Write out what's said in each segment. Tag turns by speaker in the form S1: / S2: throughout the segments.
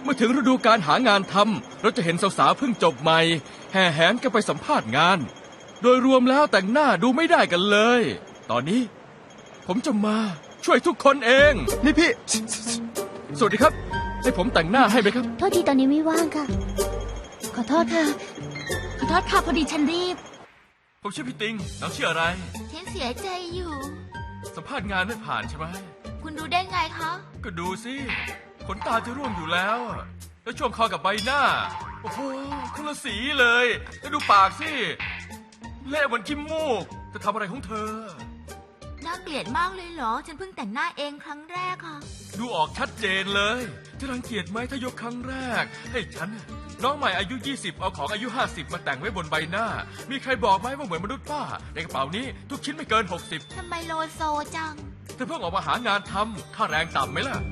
S1: มื่อถึงฤดูการหางานทำเราจะเห็นสาวๆเพิ่งจบใหม่แห่แหนกันไปสัมภาษณ์งาน โดยรวมแล้วแต่งหน้าดูไม่ได้กันเลย ตอนนี้ผมจะมาช่วยทุกคนเอง
S2: นี่พี่
S1: สวัสดีครับให้ผมแต่งหน้าให้ไหมครับ
S3: โทษทีตอนนี้ไม่ว่างค่ะ ขอโทษค่ะ
S4: ขอโทษค่ะพอดีฉันรีบ
S1: ผมชื่อพี่ติงน้องชื่ออะไร
S4: ฉันเสียใจอยู่
S1: สัมภาษณ์งานไม่ผ่านใช่ไหม
S4: คุณรู้ได้ไงคะ
S1: ก็ดูสิขนตาจะร่วงอยู่แล้ว แล้วช่วงคอกับใบหน้า โอ้โหคนละสีเลย แล้วดูปากสิเละเหมือนขี้มูกจะทำอะไรของเธอ
S4: น่าเกลียดมากเลยเหรอ ฉันเพิ่งแต่งหน้าเองครั้งแรกค่ะ
S1: ดูออกชัดเจนเลยจะรังเกียจไหมถ้ายกครั้งแรก ให้ฉันน้องใหม่อายุ 20 เอาของอายุ 50 มาแต่งไว้บนใบหน้า มีใครบอกไหมว่าเหมือนมนุษย์ป้าในกระเป๋านี้ทุกชิ้นไม่เกิน 60
S4: ทำไมโลโซจัง
S1: เธอเพิ่งออกมาหางานทำค่าแรงต่ำไหมล่ะ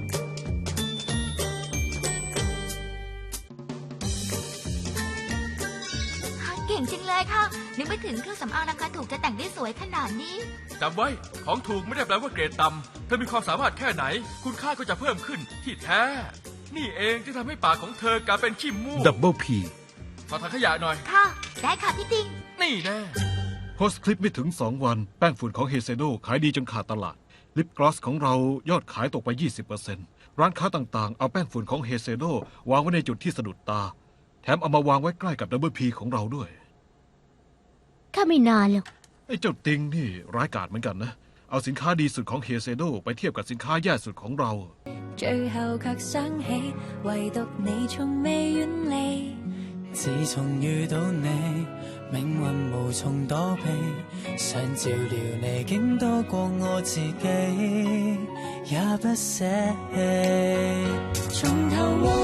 S4: เก่งจริงเลยค่ะ นึกไม่ถึงเครื่องสำอางราคาถูกจะแต่งได้สวยขนาดนี้
S1: จำไว้ของถูกไม่ได้แปลว่าเกรดต่ำเธอมีความสามารถแค่ไหน คุณค่าก็จะเพิ่มขึ้นที่แท้ นี่เองที่ทำให้ปากของเธอกลายเป็นขี้มูก
S2: ดับเบิลพี
S1: ขอถังขยะหน่อย
S4: ค่ะ ได้ค่ะพี่ติง
S1: นี่แน่
S2: โพสต์คลิปไม่ถึง 2 วันแป้งฝุ่นของเฮเซโดขายดีจนขาดตลาด ลิปกลอสของเรายอดขายตกไป 20%ร้านค้าต่างๆ เอาแป้งฝุ่นของเฮเซโดวางไว้ในจุดที่สะดุดตา แถมเอามาวางไว้ใกล้กับดับเบิลพีของเราด้วย
S3: ข้าไม่นานหรอก
S2: ไอ้เจ้าติงนี่ร้ายกาจเหมือนกันนะ เอาสินค้าดีสุดของเฮเซโดไปเทียบกับสินค้าแย่สุดของเรา
S5: 最後卻想起，唯獨你從未遠離。
S6: 自從遇到你，命運無從躲避，想照料你竟多過我自己，也不捨棄。
S5: 從頭和